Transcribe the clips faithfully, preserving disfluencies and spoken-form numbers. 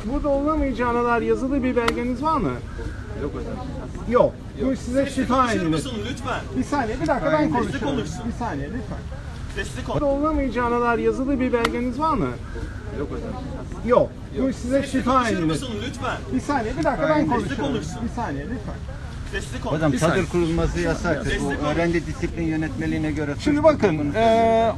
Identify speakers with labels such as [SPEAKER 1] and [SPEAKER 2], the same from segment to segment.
[SPEAKER 1] Burada olamayacağına dair yazılı bir belgeniz var mı?
[SPEAKER 2] Yok hocam.
[SPEAKER 1] Yok. Bu size şifa edilir.
[SPEAKER 3] Lütfen.
[SPEAKER 1] Bir saniye, bir dakika ben konuşuyorum. Bir saniye lütfen.
[SPEAKER 3] Sesli
[SPEAKER 1] Burada olamayacağına dair yazılı bir belgeniz var mı?
[SPEAKER 2] Yok hocam.
[SPEAKER 1] Yok. Bu size şifa edilir.
[SPEAKER 3] lütfen.
[SPEAKER 1] Bir saniye, bir dakika ben konuşuyorum. Bir saniye lütfen.
[SPEAKER 3] Sesli konuş.
[SPEAKER 2] Hocam çadır kurulması yasak. Bu öğrenci disiplin yönetmeliğine göre.
[SPEAKER 1] Şimdi bakın, eee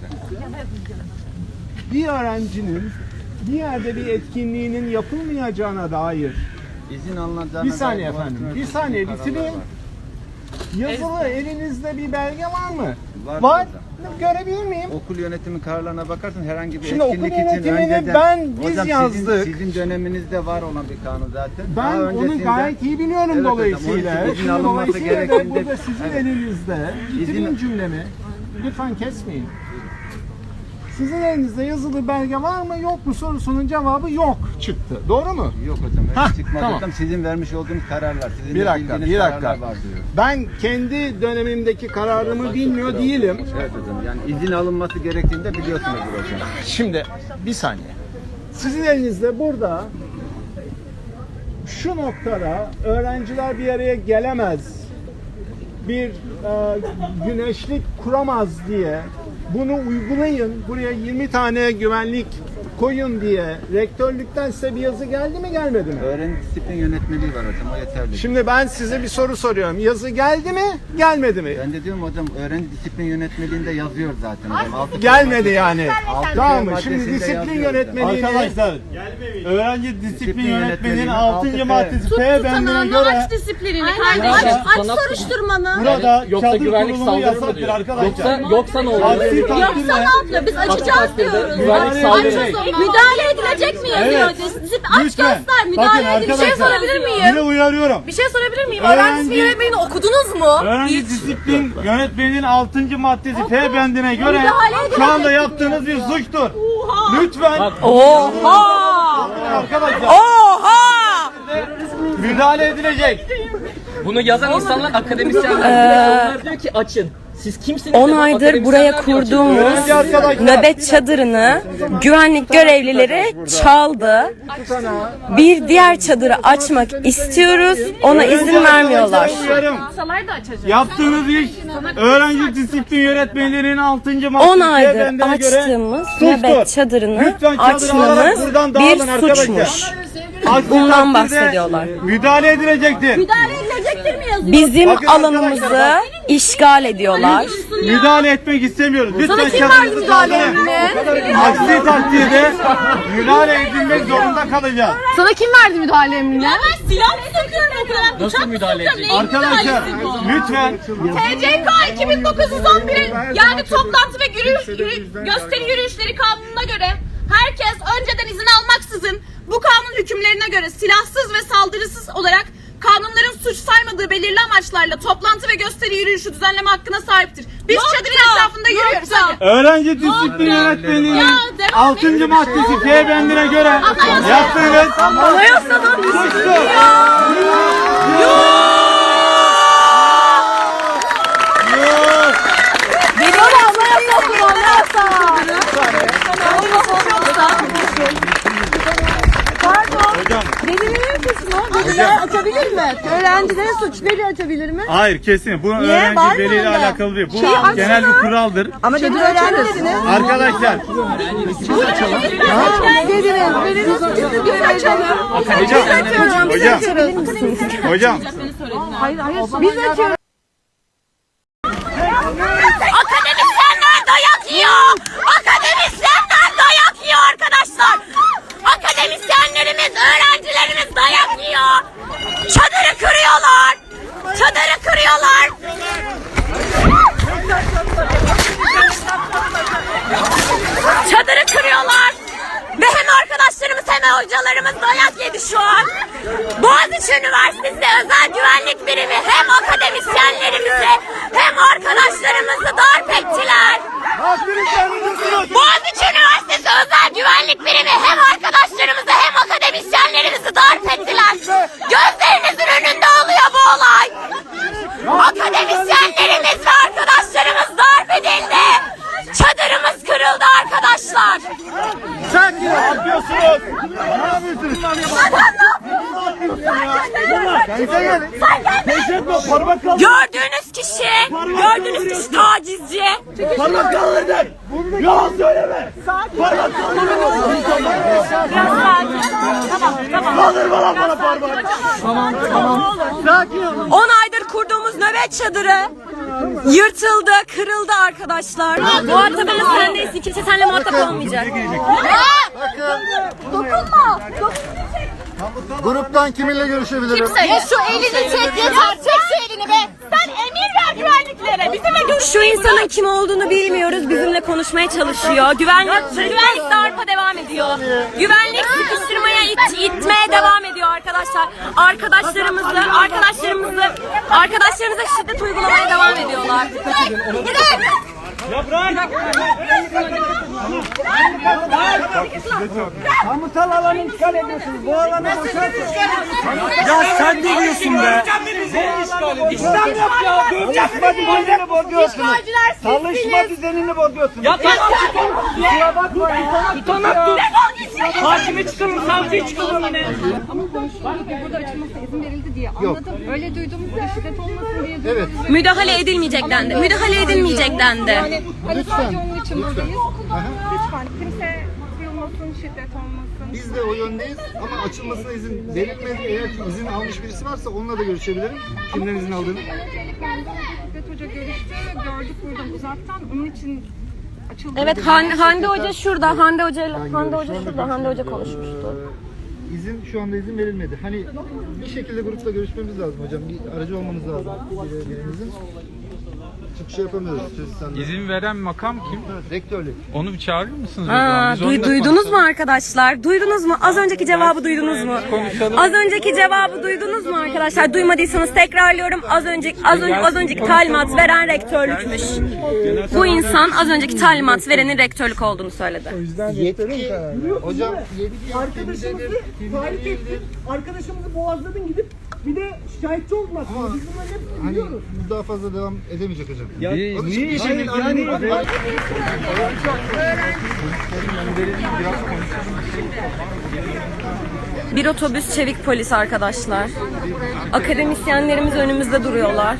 [SPEAKER 1] bir öğrencinin bir yerde bir etkinliğinin yapılmayacağına dair
[SPEAKER 2] izin alınacağına
[SPEAKER 1] bir saniye
[SPEAKER 2] dair bu
[SPEAKER 1] efendim,
[SPEAKER 2] hakkında
[SPEAKER 1] bir saniye
[SPEAKER 2] kararlar
[SPEAKER 1] bitireyim.
[SPEAKER 2] var.
[SPEAKER 1] Yazılı elinizde bir belge var mı?
[SPEAKER 2] Var
[SPEAKER 1] Var.
[SPEAKER 2] hocam.
[SPEAKER 1] Görebilir miyim?
[SPEAKER 2] Okul yönetimi kararlarına bakarsan herhangi bir
[SPEAKER 1] Şimdi okul
[SPEAKER 2] etkinlik için
[SPEAKER 1] yönetimini
[SPEAKER 2] önceden
[SPEAKER 1] ben- biz
[SPEAKER 2] hocam
[SPEAKER 1] yazdık.
[SPEAKER 2] Sizin, sizin döneminizde var olan bir kanun zaten.
[SPEAKER 1] Ben
[SPEAKER 2] Daha
[SPEAKER 1] onu
[SPEAKER 2] öncesinde-
[SPEAKER 1] gayet iyi biliyorum
[SPEAKER 2] Evet hocam,
[SPEAKER 1] dolayısıyla.
[SPEAKER 2] onun için izin
[SPEAKER 1] Şimdi
[SPEAKER 2] alınması
[SPEAKER 1] dolayısıyla da
[SPEAKER 2] gerektiğinde-
[SPEAKER 1] burada sizin
[SPEAKER 2] Evet.
[SPEAKER 1] elinizde. Bitireyim
[SPEAKER 2] İzin-
[SPEAKER 1] cümlemi. Lütfen kesmeyin. Sizin elinizde yazılı belge var mı yok mu sorusunun cevabı yok çıktı. Doğru mu?
[SPEAKER 2] Yok hocam. öyle
[SPEAKER 1] Hah,
[SPEAKER 2] çıkmadı
[SPEAKER 1] tamam.
[SPEAKER 2] hocam. Sizin vermiş olduğunuz kararlar. Sizin
[SPEAKER 1] Bir
[SPEAKER 2] de
[SPEAKER 1] dakika,
[SPEAKER 2] bildiğiniz
[SPEAKER 1] bir dakika.
[SPEAKER 2] kararlar var diyor.
[SPEAKER 1] Ben kendi dönemimdeki kararımı bilmiyor değilim.
[SPEAKER 2] Evet hocam. Yani izin alınması gerektiğinde biliyorsunuz hocam.
[SPEAKER 1] Şimdi bir saniye. Sizin elinizde burada şu noktada öğrenciler bir araya gelemez, bir e, güneşlik kuramaz diye bunu uygulayın, buraya yirmi tane güvenlik koyun diye rektörlükten size bir yazı geldi mi gelmedi mi?
[SPEAKER 2] Öğrenci disiplin yönetmeliği var hocam. O yeterli.
[SPEAKER 1] Şimdi ben size bir soru soruyorum. Yazı geldi mi gelmedi mi?
[SPEAKER 2] Ben de diyorum hocam öğrenci disiplin yönetmeliğinde yazıyor zaten hocam. Altı-
[SPEAKER 1] Gelmedi yani.
[SPEAKER 2] Altı
[SPEAKER 1] Tamam mı?
[SPEAKER 2] maddesinde
[SPEAKER 1] Şimdi disiplin
[SPEAKER 2] yazıyor
[SPEAKER 1] yönetmeliğini...
[SPEAKER 4] Arkadaşlar, öğrenci disiplin
[SPEAKER 2] Disiplin
[SPEAKER 4] yönetmeliğinin
[SPEAKER 2] yönetmeliğinin
[SPEAKER 4] altıncı
[SPEAKER 2] altı
[SPEAKER 4] maddesi
[SPEAKER 5] Tut
[SPEAKER 4] F
[SPEAKER 5] tutanağını,
[SPEAKER 4] bendine göre
[SPEAKER 5] aç disiplinini
[SPEAKER 6] Aynen.
[SPEAKER 5] kardeşim.
[SPEAKER 6] Ya,
[SPEAKER 5] Aç
[SPEAKER 6] sana-
[SPEAKER 5] soruşturmanı.
[SPEAKER 4] burada
[SPEAKER 6] Yoksa
[SPEAKER 4] çadır
[SPEAKER 6] güvenlik
[SPEAKER 4] kurulumu
[SPEAKER 6] saldırı mı
[SPEAKER 4] yasaktır
[SPEAKER 6] diyor?
[SPEAKER 4] arkadaşlar.
[SPEAKER 6] Yoksa yoksa ne oluyor?
[SPEAKER 4] Aksi
[SPEAKER 5] Yoksa
[SPEAKER 4] takdirde
[SPEAKER 5] ne yapıyor? Biz açacağız
[SPEAKER 6] takdirde
[SPEAKER 5] diyoruz.
[SPEAKER 6] güvenlik
[SPEAKER 5] Aç
[SPEAKER 6] saldırı.
[SPEAKER 5] o zaman. Müdahale edilecek mi yazıyor?
[SPEAKER 4] Evet.
[SPEAKER 5] Disiplin aç
[SPEAKER 4] Lütfen.
[SPEAKER 5] göster.
[SPEAKER 4] Bakın
[SPEAKER 5] Müdahale edilecek. Bir şey
[SPEAKER 4] arkadaşlar,
[SPEAKER 5] sorabilir miyim?
[SPEAKER 4] Bir de uyarıyorum.
[SPEAKER 5] Bir şey sorabilir miyim?
[SPEAKER 4] Öğrenci-
[SPEAKER 5] Öğrenci disiplin yönetmeliğini okudunuz mu?
[SPEAKER 4] Öğrenci
[SPEAKER 5] Hiç.
[SPEAKER 4] disiplin yönetmeliğinin altıncı maddesi F bendine göre
[SPEAKER 5] Müdahale
[SPEAKER 4] şu anda
[SPEAKER 5] edilecek
[SPEAKER 4] yaptığınız bir suçtur. Lütfen
[SPEAKER 5] Oha!
[SPEAKER 4] arkadaşlar
[SPEAKER 5] Oha!
[SPEAKER 4] müdahale edilecek.
[SPEAKER 6] Bunu yazan insanlar akademisyenler. Onlar diyor ki açın. Siz kimsiniz?
[SPEAKER 7] on
[SPEAKER 6] de bu
[SPEAKER 7] aydır
[SPEAKER 6] akademisyenler
[SPEAKER 7] buraya
[SPEAKER 6] diyor, açın.
[SPEAKER 7] kurduğumuz
[SPEAKER 4] Öğrenci arkadaşlar.
[SPEAKER 7] nöbet çadırını güvenlik görevlileri çaldı. Bir diğer çadırı açmak istiyoruz. Ona izin vermiyorlar.
[SPEAKER 4] Uyarım. Yaptığınız iş öğrenci disiplin yönetmeliğinin altıncı maddesi
[SPEAKER 7] on
[SPEAKER 4] F
[SPEAKER 7] aydır
[SPEAKER 4] bendine göre
[SPEAKER 7] açtığımız
[SPEAKER 4] suçtur.
[SPEAKER 7] nöbet çadırını
[SPEAKER 4] Lütfen çadırı alarak
[SPEAKER 7] açmamız
[SPEAKER 4] buradan
[SPEAKER 7] bir
[SPEAKER 4] dağılın arkadaşlar.
[SPEAKER 7] suçmuş.
[SPEAKER 4] Aksi
[SPEAKER 7] Bundan
[SPEAKER 4] takdirde
[SPEAKER 7] bahsediyorlar.
[SPEAKER 4] Müdahale edilecektir.
[SPEAKER 5] Müdahale edilecektir mi yazıyor?
[SPEAKER 7] Bizim
[SPEAKER 4] Bakın
[SPEAKER 7] alanımızı
[SPEAKER 4] arkadaşlar,
[SPEAKER 7] işgal ediyorlar.
[SPEAKER 4] Müdahale etmek istemiyoruz. Lütfen
[SPEAKER 5] Sana kim
[SPEAKER 4] çadırınızı
[SPEAKER 5] verdi müdahale
[SPEAKER 4] kaldırın.
[SPEAKER 5] emrini?
[SPEAKER 4] Aksi takdirde müdahale edilmek zorunda kalacağız.
[SPEAKER 5] Sana kim verdi müdahale emrini? Ya ben silah mı sokuyorum o kadar?
[SPEAKER 6] Nasıl
[SPEAKER 5] Bıçak mı
[SPEAKER 6] müdahale
[SPEAKER 5] sokuyorum?
[SPEAKER 6] edecek?
[SPEAKER 5] Neyin
[SPEAKER 4] Arkadaşlar
[SPEAKER 5] müdahalesi bu?
[SPEAKER 4] lütfen
[SPEAKER 5] T C K iki bin dokuz yüz on bir yani toplantı ve yürüyüş, yürü- gösteri yürüyüşleri kanununa göre herkes önceden izin almaksızın bu kanun hükümlerine göre silahsız ve saldırısız olarak kanunların suç saymadığı belirli amaçlarla toplantı ve gösteri yürüyüşü düzenleme hakkına sahiptir. Biz çadırın etrafında yürüyoruz hadi.
[SPEAKER 4] öğrenci disiplin yönetmeliğinin
[SPEAKER 5] Ya, devam
[SPEAKER 4] altıncı
[SPEAKER 5] et.
[SPEAKER 4] maddesi F bendine göre
[SPEAKER 5] Anayasa.
[SPEAKER 4] yaptığınız
[SPEAKER 5] Anayasadan
[SPEAKER 4] suçtur.
[SPEAKER 5] Benim anayasa anayasa. Pardon.
[SPEAKER 4] Hocam.
[SPEAKER 5] Velilerin suç mu? Veliler açabilir mi? Öğrencilerin suç. Veli açabilir mi?
[SPEAKER 4] Hayır kesin. Bu
[SPEAKER 5] Var
[SPEAKER 4] öğrenci
[SPEAKER 5] mı
[SPEAKER 4] veliyle
[SPEAKER 5] öyle?
[SPEAKER 4] alakalı değil. Bu
[SPEAKER 5] Şey, açsana.
[SPEAKER 4] genel bir kuraldır.
[SPEAKER 5] Ama dedi öğrencilerini.
[SPEAKER 4] Arkadaşlar
[SPEAKER 5] Velilerin. Velilerin suçunu biz açalım.
[SPEAKER 4] hocam hocam hocam
[SPEAKER 5] Hayır hayır. Biz açıyoruz. Akademisyenler dayak yiyor. Akademisyenler dayak yiyor arkadaşlar. Akademisyenlerimiz, öğrencilerimiz dayak yiyor. Çadırı kırıyorlar. Çadırı kırıyorlar. Çadırı kırıyorlar. Ve hem arkadaşlarımız hem hocalarımız dayak yedi şu an. Boğaziçi Üniversitesi Özel Güvenlik Birimi hem akademisyenlerimizi hem arkadaşlarımızı darp ettiler. Boğaziçi Üniversitesi Özel Güvenlik Birimi hem arkadaşlarımızı hem akademisyenlerimizi darp ettiler. Gözlerinizin önünde oluyor bu olay. Akademisyenlerimiz ve arkadaşlarımız darp edildi. Çadırımız kırıldı arkadaşlar.
[SPEAKER 4] ne yapıyorsunuz? Ne yapıyorsunuz?
[SPEAKER 7] Gördüğünüz kişi, gördüğünüz kişi tacizci.
[SPEAKER 4] Parmak kaldırdın. Yalan söyleme. Parmak kaldırdın. Kaldırma lan bana parmak.
[SPEAKER 7] on aydır kurduğumuz nöbet çadırı yırtıldı, kırıldı arkadaşlar. Muhatabımız sen değilsin. Kimse seninle muhatap olmayacak.
[SPEAKER 5] Dokunma.
[SPEAKER 3] Gruptan kiminle görüşebilirim?
[SPEAKER 5] Kimseye. Şu elini çek yeter. Çek şu elini be. Sen emir ver güvenliklere. Bizimle görüş.
[SPEAKER 7] Şu insanın kim olduğunu bilmiyoruz. Bizimle konuşmaya çalışıyor. Güvenlik, güvenlik darpa devam ediyor. Güvenlik sıkıştırmaya, it, itmeye devam ediyor arkadaşlar. Arkadaşlarımızı, arkadaşlarımızı, arkadaşlarımıza şiddet uygulamaya devam ediyorlar.
[SPEAKER 1] Kamusal alanı işgal ediyorsunuz. Bu alanı boşalt.
[SPEAKER 4] Ya sen ne diyorsun be?
[SPEAKER 1] İşlem yok ya. Çalışma düzenini bozuyorsunuz. Çalışma düzenini bozuyorsunuz.
[SPEAKER 6] Ya tamam.
[SPEAKER 1] Kusura bakmayın.
[SPEAKER 6] Tutanak tut. Hakime çıkalım, savcıya çıkalım yine.
[SPEAKER 8] Ama konuşuldu ki burada açılmasına izin verildi diye anladım. Öyle duyduğumuzda şiddet olmasın diye
[SPEAKER 3] Evet.
[SPEAKER 7] Müdahale edilmeyecek dendi. Müdahale edilmeyecek dendi.
[SPEAKER 8] Yani hani sadece onun için buradayız. Lütfen kimse kıyılmasın, şiddet olmasın.
[SPEAKER 3] Biz de o yöndeyiz ama açılmasına izin verilmedi. Eğer ki izin almış birisi varsa onunla da görüşebilirim. Kimden izin aldığını.
[SPEAKER 8] Öncelikle Şiddet Hoca görüştü, gördük buradan uzaktan. Onun için açıldı.
[SPEAKER 7] Evet, Han, Hande Hoca şurada. Hande Hoca, Hande Hoca şurada. Hande Hoca konuşmuştu.
[SPEAKER 3] Ee, izin şu anda izin verilmedi. Hani bir şekilde grupla görüşmemiz lazım hocam. Bir aracı olmamız lazım bir- birimizin. Çıkış yapamıyoruz. Sen
[SPEAKER 9] İzin veren makam kim?
[SPEAKER 3] rektörlük.
[SPEAKER 9] Onu bir çağırır mısınız? o
[SPEAKER 7] Aa,
[SPEAKER 9] zaman? Biz
[SPEAKER 7] duy-
[SPEAKER 9] onunla
[SPEAKER 7] duydunuz mu
[SPEAKER 9] konuşalım.
[SPEAKER 7] arkadaşlar? Duydunuz mu? Az önceki cevabı duydunuz mu?
[SPEAKER 9] konuşalım.
[SPEAKER 7] Az önceki cevabı duydunuz mu arkadaşlar? Duymadıysanız tekrarlıyorum. Az önceki az, önce, az önceki talimat veren rektörlükmüş. Bu insan az önceki talimat verenin rektörlük olduğunu söyledi.
[SPEAKER 3] Yetki. Hocam yetki.
[SPEAKER 1] Arkadaşımızı tahrik ettin. Arkadaşımızı boğazladın gidip bir de şikayetçi oldun aslında. Biz bunların hepsini
[SPEAKER 3] Hani
[SPEAKER 1] biliyoruz.
[SPEAKER 3] bu daha fazla devam edemeyecek hocam.
[SPEAKER 9] Niye-
[SPEAKER 3] Onun
[SPEAKER 9] niye
[SPEAKER 3] için-
[SPEAKER 9] işimiz
[SPEAKER 3] Aynen,
[SPEAKER 9] yani?
[SPEAKER 3] aynen.
[SPEAKER 7] Bir otobüs çevik polis arkadaşlar. Akademisyenlerimiz önümüzde duruyorlar.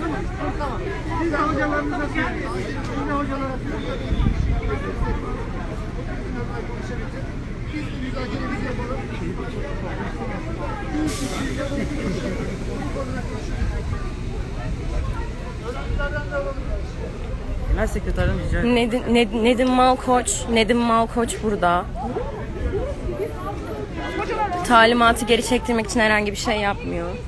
[SPEAKER 6] Ben sekreterden rica ederim.
[SPEAKER 7] Nedim, Ned- Nedim Malkoç, Nedim Malkoç burada. Talimatı geri çektirmek için herhangi bir şey yapmıyor.